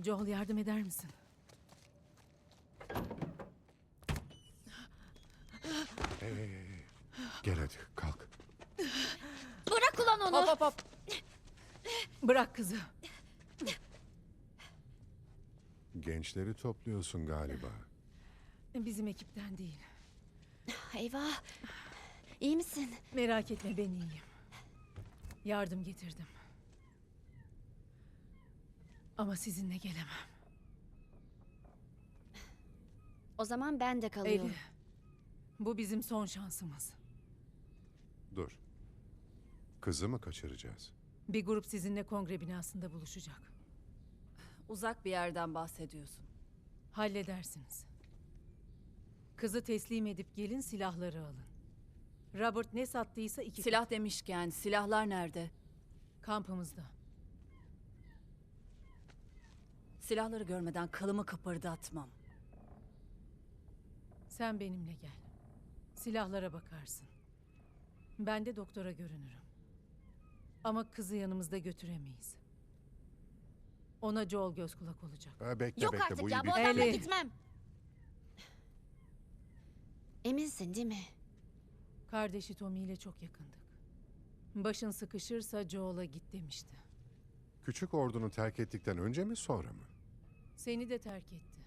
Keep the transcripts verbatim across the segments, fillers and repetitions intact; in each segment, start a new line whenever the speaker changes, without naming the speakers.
Joel, yardım eder misin?
Hey, hey, hey. Gel hadi kalk.
Bırak ulan onu.
Hop hop hop. Bırak kızı.
Gençleri topluyorsun galiba.
Bizim ekipten değil.
Eyvah. İyi misin?
Merak etme, ben iyiyim. Yardım getirdim. Ama sizinle gelemem.
O zaman ben de kalıyorum.
Eli, bu bizim son şansımız.
Dur. Kızı mı kaçıracağız?
Bir grup sizinle kongre binasında buluşacak.
Uzak bir yerden bahsediyorsun.
Halledersiniz. Kızı teslim edip gelin, silahları alın. Robert ne sattıysa iki...
Silah demişken silahlar nerede?
Kampımızda.
Silahları görmeden kılımı kıpırdatmam.
Sen benimle gel. Silahlara bakarsın. Ben de doktora görünürüm. Ama kızı yanımızda götüremeyiz. Ona Joel göz kulak olacak.
Ha, bekle
Yok
bekle
artık
bu
ya,
iyi
bu
bir
adamla
Eli.
gitmem. Eminsin değil mi?
Kardeşi Tommy ile çok yakındık. Başın sıkışırsa Joel'a git demişti.
Küçük ordunu terk ettikten önce mi sonra mı?
Seni de terk etti.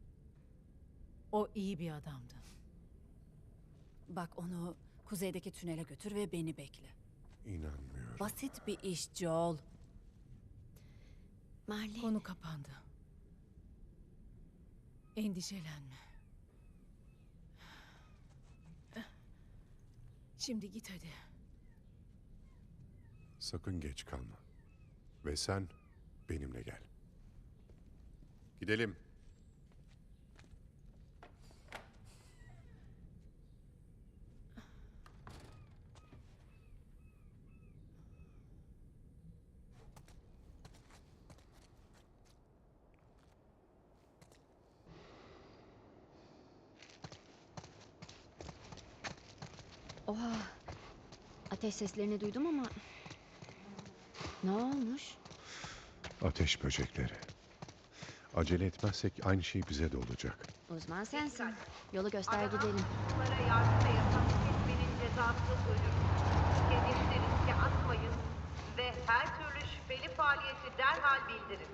O iyi bir adamdı.
Bak, onu kuzeydeki tünele götür ve beni bekle.
İnanmıyorum.
Basit bir iş Joel.
Marley.
Konu kapandı. Endişelenme. Şimdi git hadi.
Sakın geç kalma. Ve sen benimle gel. Gidelim.
Oha. Ateş seslerini duydum ama... Ne olmuş?
Ateş böcekleri. Acele etmezsek aynı şey bize de olacak.
Uzman sensin. Yolu göster gidelim.
Suçlulara yardım ve yasak etmenin cezası ölüm. Kendinizi riske atmayın ve her türlü şüpheli faaliyeti derhal bildirin.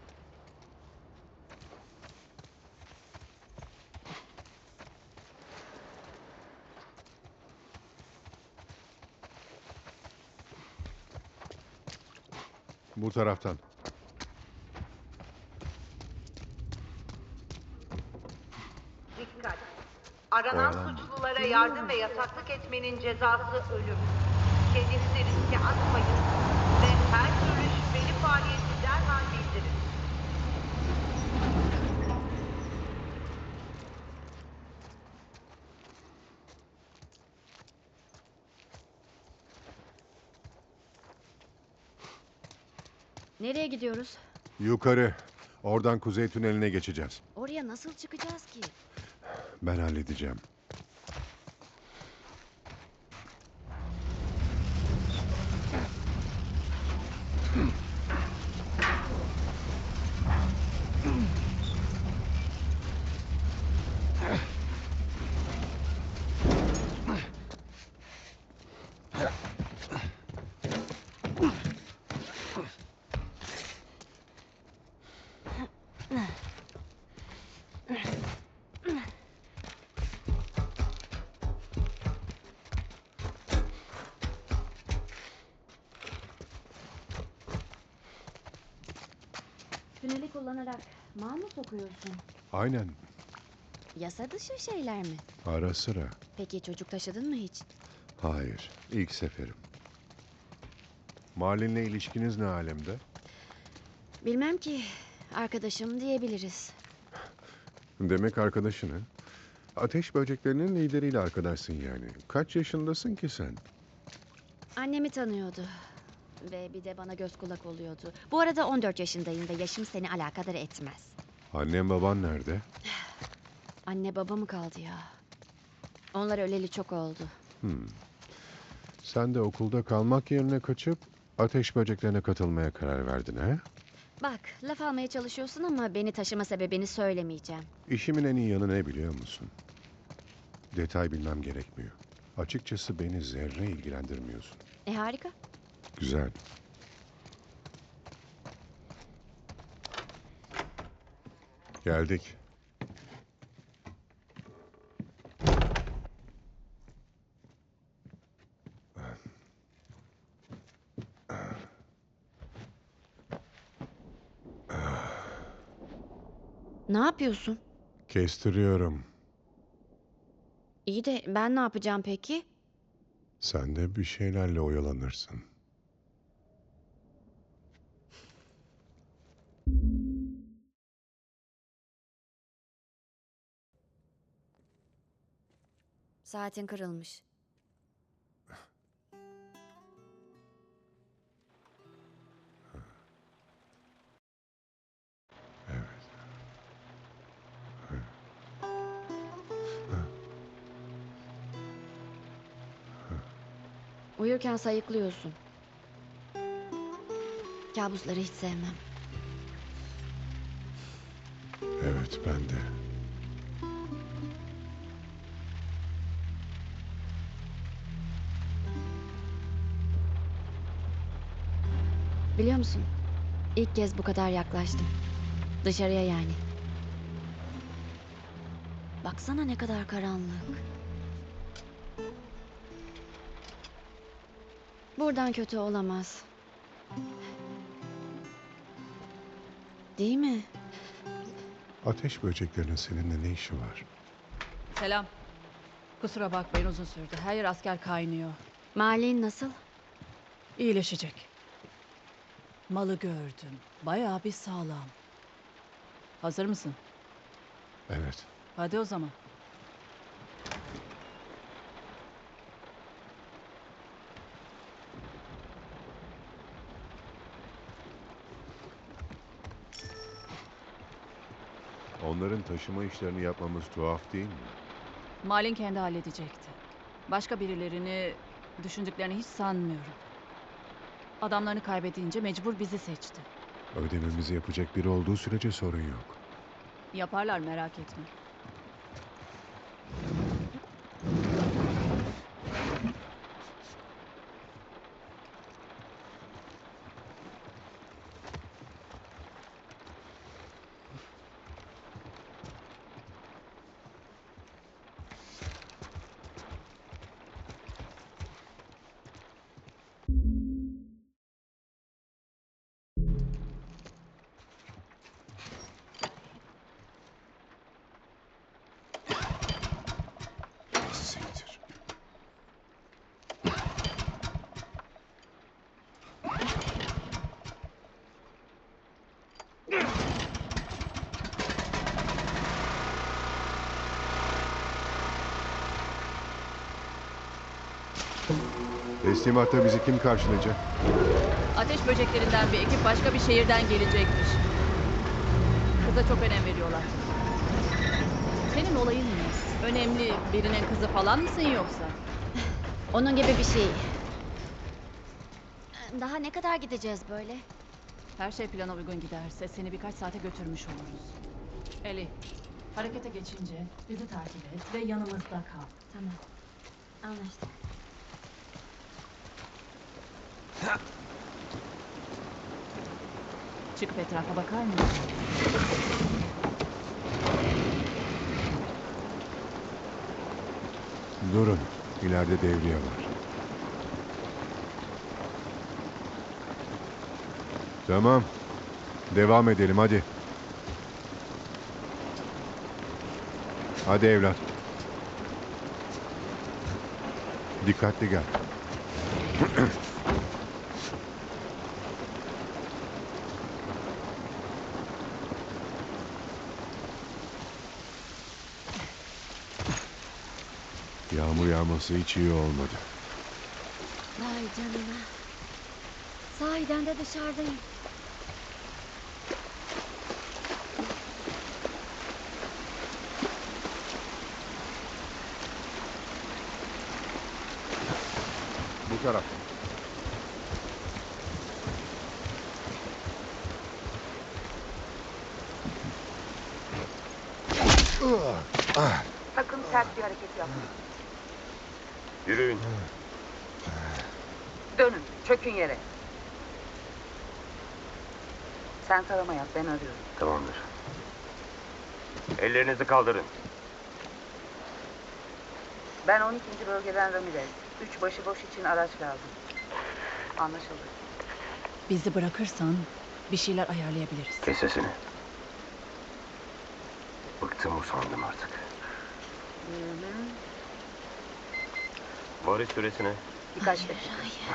Bu taraftan.
Dikkat! Aranan
Oyalanma.
suçlulara yardım ve yataklık etmenin cezası ölüm. Kendinizi riske atmayın ve her türlü şüpheli faaliyeti derhal bildirin.
Nereye gidiyoruz?
Yukarı. Oradan kuzey tüneline geçeceğiz.
Oraya nasıl çıkacağız ki?
Ben halledeceğim.
Tüneli kullanarak mal mı sokuyorsun?
Aynen.
Yasa dışı şeyler mi?
Ara sıra.
Peki çocuk taşıdın mı hiç?
Hayır. İlk seferim. Marlin'le ilişkiniz ne alemde?
Bilmem ki. Arkadaşım diyebiliriz.
Demek arkadaşın ha? Ateş böceklerinin lideriyle arkadaşsın yani. Kaç yaşındasın ki sen?
Annemi tanıyordu. Ve bir de bana göz kulak oluyordu. Bu arada on dört yaşındayım ve yaşım seni alakadar etmez.
Annen baban nerede?
Anne baba mı kaldı ya? Onlar öleli çok oldu.
Hmm. Sen de okulda kalmak yerine kaçıp ateş böceklerine katılmaya karar verdin ha?
Bak, laf almaya çalışıyorsun ama beni taşıma sebebini söylemeyeceğim.
İşimin en iyi yanı ne biliyor musun? Detay bilmem gerekmiyor. Açıkçası beni zerre ilgilendirmiyorsun.
E harika.
Güzel. Geldik.
Ne yapıyorsun?
Kestiriyorum.
İyi de ben ne yapacağım peki?
Sen de bir şeylerle oyalanırsın.
Saatin kırılmış.
Evet.
Uyurken sayıklıyorsun. Kabusları hiç sevmem.
Evet, ben de.
Biliyor musun? İlk kez bu kadar yaklaştım. Dışarıya yani. Baksana ne kadar karanlık. Buradan kötü olamaz. Değil mi?
Ateş böceklerinin seninle ne işi var?
Selam. Kusura bakmayın uzun sürdü. Her yer asker kaynıyor.
Malin nasıl?
İyileşecek. Malı gördüm. Bayağı bir sağlam. Hazır mısın?
Evet.
Hadi o zaman.
Onların taşıma işlerini yapmamız tuhaf değil mi?
Malin kendi halledecekti. Başka birilerini düşündüklerini hiç sanmıyorum. Adamlarını kaybedince mecbur bizi seçti.
Ödememizi yapacak biri olduğu sürece sorun yok.
Yaparlar merak etme.
Siktir. Teslimatta bizi kim karşılayacak?
Ateş böceklerinden bir ekip başka bir şehirden gelecekmiş. Kıza çok önem veriyorlar. Senin olayın ne? Önemli birinin kızı falan mısın yoksa?
Onun gibi bir şey. Daha ne kadar gideceğiz böyle?
Her şey plana uygun giderse seni birkaç saate götürmüş oluruz. Eli, harekete geçince bizi takip et ve yanımızda kal.
Tamam. Anlaştık.
Çıkıp etrafa bakar mısın?
Durun. İleride devriye var. Tamam. Devam edelim hadi. Hadi evlat. Dikkatli gel. Yağmur yağması hiç iyi olmadı.
Vay canına. Sahiden de dışarıdayım.
Bu taraf.
Sakın sert bir hareket yapmayın.
Yürüyün.
Dönün, çökün yere. Sen tarama yap, ben arıyorum.
Tamamdır. Ellerinizi kaldırın.
Ben on ikinci bölgeden Ramirez. Üç başıboş için araç lazım. Anlaşıldı.
Bizi bırakırsan bir şeyler ayarlayabiliriz.
Kes sesini. Bıktım, usandım artık.
Hı hı.
Varış süresine.
Birkaç dakika.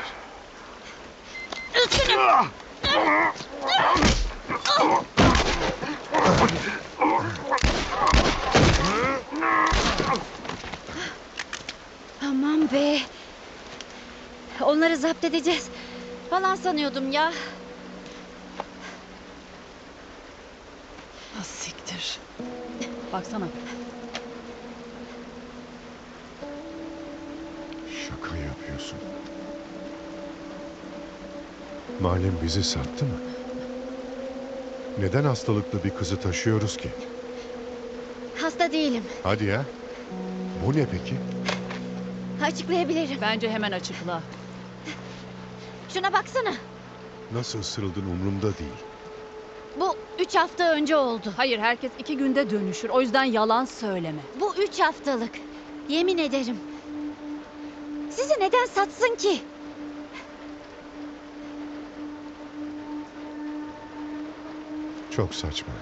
Aman be. Onları zapt edeceğiz falan sanıyordum ya.
Ah, siktir. Baksana.
Şaka yapıyorsun. Malem bizi sattı mı? Neden hastalıklı bir kızı taşıyoruz ki?
Hasta değilim.
Hadi ya. Bu ne peki?
Açıklayabilirim.
Bence hemen açıkla.
Şuna baksana.
Nasıl ısırıldın umurumda değil.
Bu üç hafta önce oldu.
Hayır, herkes iki günde dönüşür. O yüzden yalan söyleme.
Bu üç haftalık. Yemin ederim. Sizi neden satsın ki?
Çok saçma.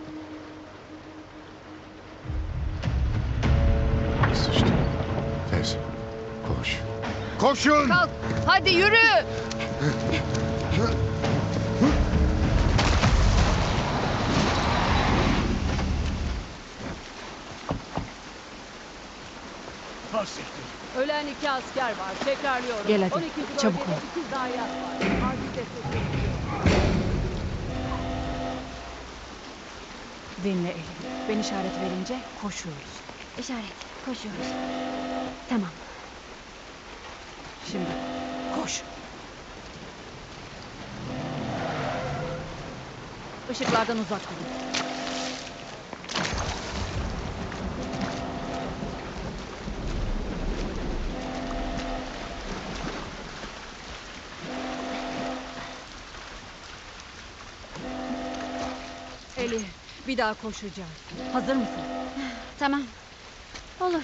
Sıçtım. Tez. Koş. Koşun!
Kalk, hadi yürü. Ölen iki asker var. Tekrarlıyorum. Gel hadi, on ikinci çabuk bölgede ol.
şey
iki zayiat var. Acil destek bekliyor. Dinle Elif. Ben işaret verince koşuyoruz.
İşaret. Koşuyoruz. Tamam.
Şimdi koş. Işıklardan uzak durun. Elif, bir daha koşacağız. Hazır mısın?
Tamam. Olur.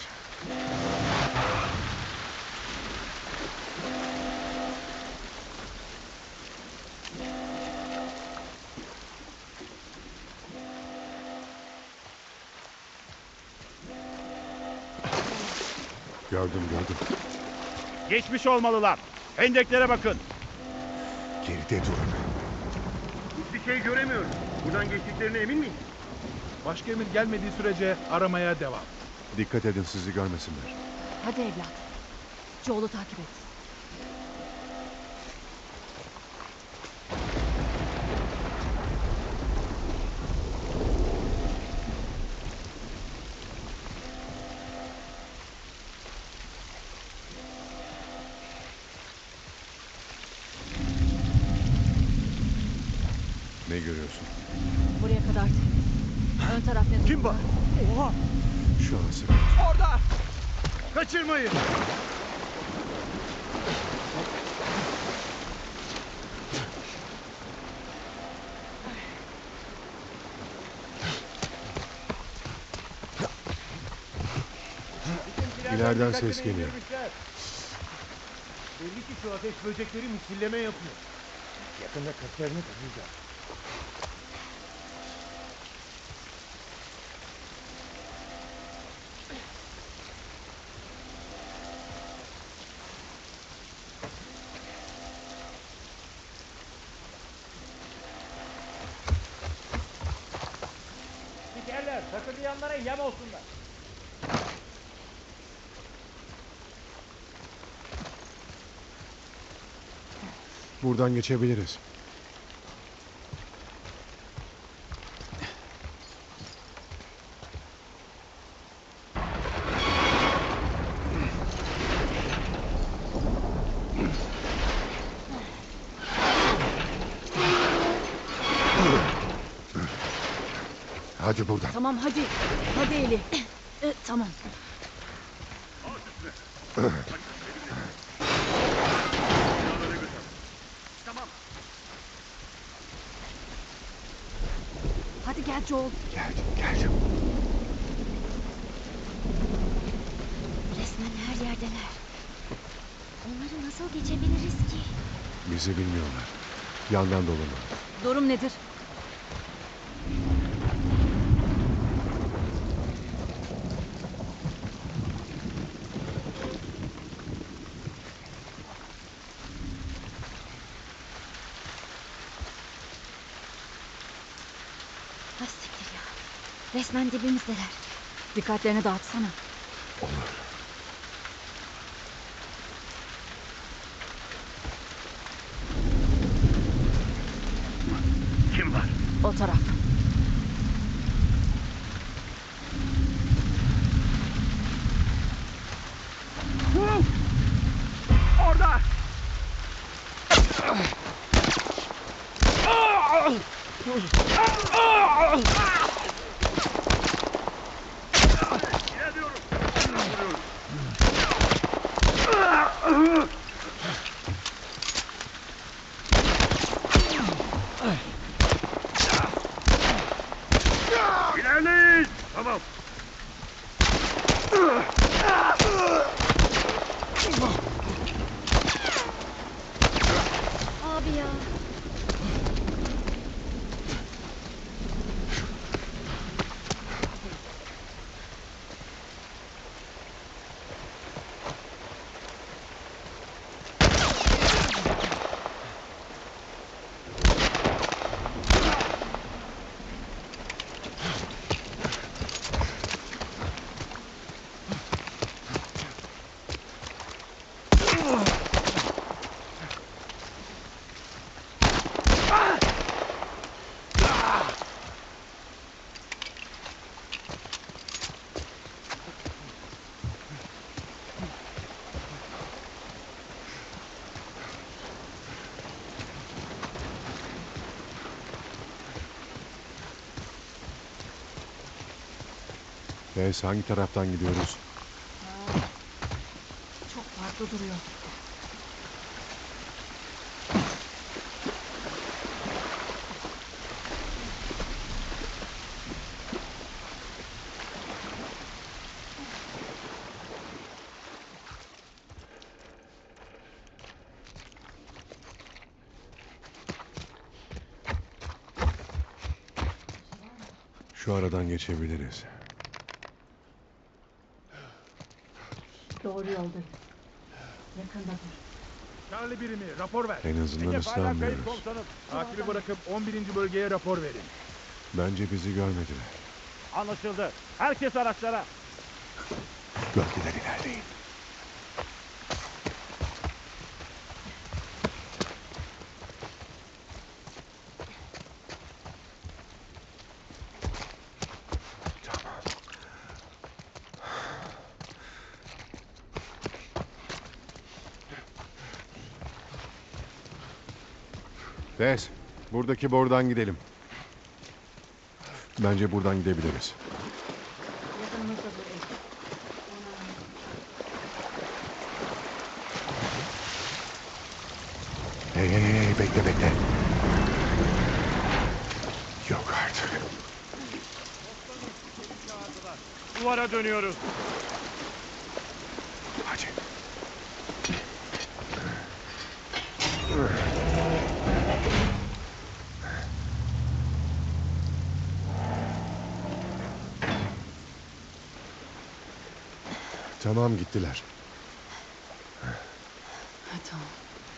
Gördüm gördüm.
Geçmiş olmalılar. Hendeklere bakın.
Geride durun.
Hiçbir şey göremiyorum. Buradan geçtiklerine emin miyiz? Başka emir gelmediği sürece aramaya devam.
Dikkat edin sizi görmesinler.
Hadi evlat. Joel'u takip et.
Ne görüyorsun?
Buraya kadar temiz. Ön taraf ne durumda?
Kim var? Oha!
Şu an sıra.
Orada! Kaçırmayın!
İleriden ses geliyor.
Belli ki şu ateş böcekleri misilleme yapıyor. Yakında köklerini kıracağız. Spikerler, takırdayanlara yem olsunlar.
Buradan geçebiliriz. Hadi buradan.
Tamam hadi. Hadi Eli. E, tamam.
Tamam.
Hadi gel Joel.
Geldim, geldim.
Resmen her yerdeler. Onları nasıl geçebiliriz ki?
Bizi bilmiyorlar. Yandan dolanın.
Durum nedir?
Ha siktir ya. Resmen dibimizdeler.
Dikkatlerini dağıtsana.
Olur.
Kim var?
O taraf.
Orada! İlerliyorum. Vuruyorum. İlerleyin! Tamam.
Abi ya.
Tess, hangi taraftan gidiyoruz?
Çok farklı duruyor.
Şu aradan geçebiliriz.
Doğru yoldayız. Yakındadır.
Charlie birimi rapor ver.
En azından
Hedef hala kayıp
ıslanmıyoruz.
komutanım. Takibi bırakıp on birinci bölgeye rapor verin.
Bence bizi görmediler.
Anlaşıldı. Herkes araçlara.
Gölgeden ilerleyin. Tamam. Tess, buradaki borudan gidelim. Bence buradan gidebiliriz.
Yakınımızda dur.
Hey hey hey, bekle bekle. Yok artık.
Duvara dönüyoruz.
Hadi. Tamam, gittiler.
Ha, tamam.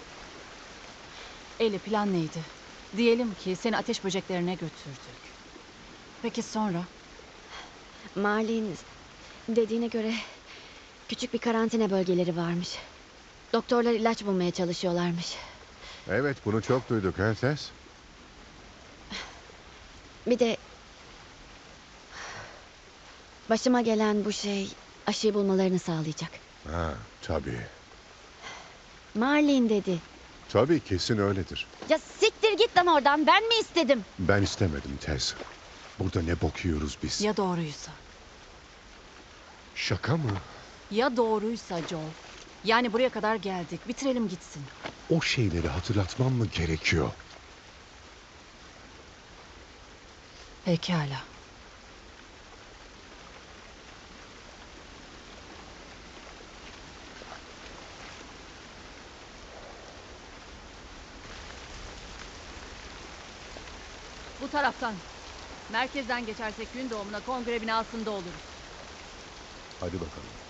Eli, plan neydi? Diyelim ki seni ateş böceklerine götürdük. Peki sonra?
Marlin dediğine göre küçük bir karantina bölgeleri varmış. Doktorlar ilaç bulmaya çalışıyorlarmış.
Evet, bunu çok duyduk ha Tess?
Bir de başıma gelen bu şey aşıyı bulmalarını sağlayacak.
Ha, tabii.
Marlin dedi.
Tabii, kesin öyledir.
Ya siktir git lan oradan, ben mi istedim?
Ben istemedim Tess. Burada ne bok yiyoruz biz?
Ya doğruysa?
Şaka mı?
Ya doğruysa Joel? Yani buraya kadar geldik. Bitirelim gitsin.
O şeyleri hatırlatmam mı gerekiyor?
Pekala. Bu taraftan. Merkezden geçersek gün doğumuna kongre binasında oluruz.
Hadi bakalım.